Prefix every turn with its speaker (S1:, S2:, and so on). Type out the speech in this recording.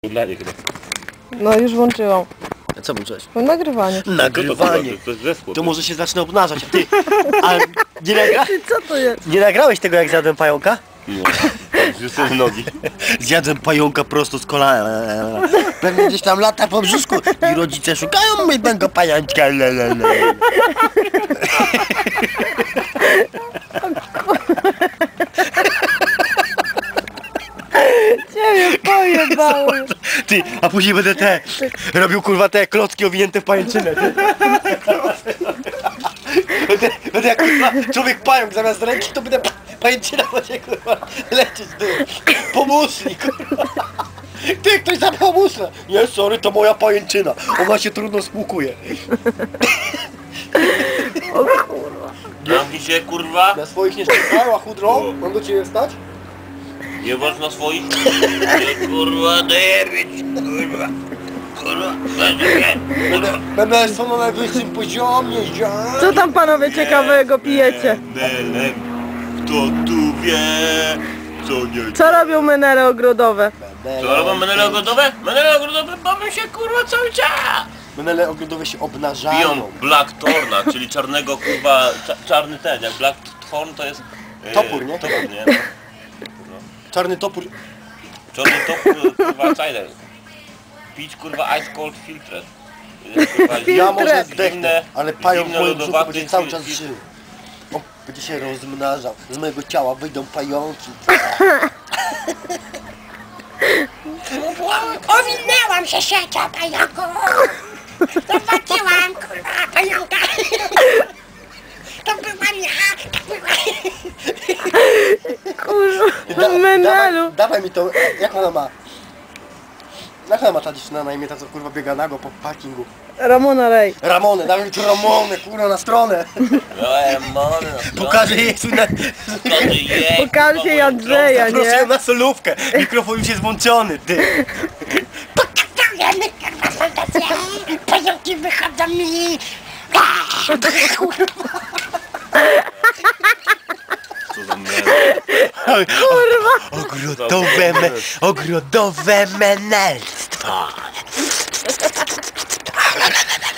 S1: Udlanie chyba.
S2: No już włączyłam.
S3: A co włączyłeś?
S2: No nagrywanie.
S3: Nagrywanie. To może się zacznę obnażać. Ty, a nie,
S2: Co to jest?
S3: nie nagrałeś tego jak zjadłem pająka?
S1: Nie. Zrzucę nogi.
S3: Zjadłem pająka prosto z kolana. Pewnie gdzieś tam lata po brzuszku i rodzice szukają mojego pajączka.
S2: Ciebie pojebały.
S3: Ty, a później będę robił kurwa te klocki owinięte w pajęczynę. Będę jak kurwa człowiek pająk, zamiast ręki to będę pajęczyna będzie kurwa lecieć, ty. Pomóżnik kurwa. Ty, ktoś zabrał muszę. Nie, sorry, to moja pajęczyna. Ona się trudno spłukuje.
S2: O kurwa.
S1: Zamknij się, kurwa.
S3: Na swoich nie szczekała, chudro. Mam do ciebie wstać?
S1: Nie masz na swoich? Nie, kurwa, daję być, kurwa. Kurwa,
S3: Będę są na najwyższym poziomie, ja.
S2: Co tam panowie ciekawego pijecie?
S1: Kto tu wie, co nie...
S2: Co robią menele ogrodowe?
S1: Co robią menele ogrodowe? Menele ogrodowe bawią się, kurwa, cały czas.
S3: Menele ogrodowe się obnażają.
S1: Biją Black Thorna, czyli czarnego, kurwa, czarny ten, jak Black Thorn to jest...
S3: Topór, nie?
S1: Topór, nie?
S3: Czarny topór.
S1: Czarny topór, kurwa, cider. Pić, kurwa, ice cold filtret. Kurwa,
S3: Ja może
S2: Filtret.
S3: zdechnę, ale pająk w
S1: zimno
S3: moim brzuchu
S1: lodowaty
S3: będzie cały czas
S1: filtr.
S3: żył. On będzie się rozmnażał. Z mojego ciała wyjdą pająki.
S4: Owinęłam się siecią pająku! Zobaczyłam, kurwa, pająka! To byłam ja! To była...
S2: Kurwa, menelu.
S3: Dawaj mi to, jak ona ma? Jak ona ma ta dziewczyna na imię, ta co kurwa biega nago po parkingu?
S2: Ramona Rej.
S3: Ramonę, dawaj mi tu Ramonę, kurwa na stronę. Pokażę jej swój
S2: Pokażę jej Andrzeja,
S3: Proszę ją
S2: nie?
S3: na solówkę. Mikrofon już jest włączony, ty.
S4: Pokazujemy, kurwa, serdecznie! Pająki wychodzą mi!
S1: Co za menel.
S3: Kurwa. Ogrodowe menelstwo.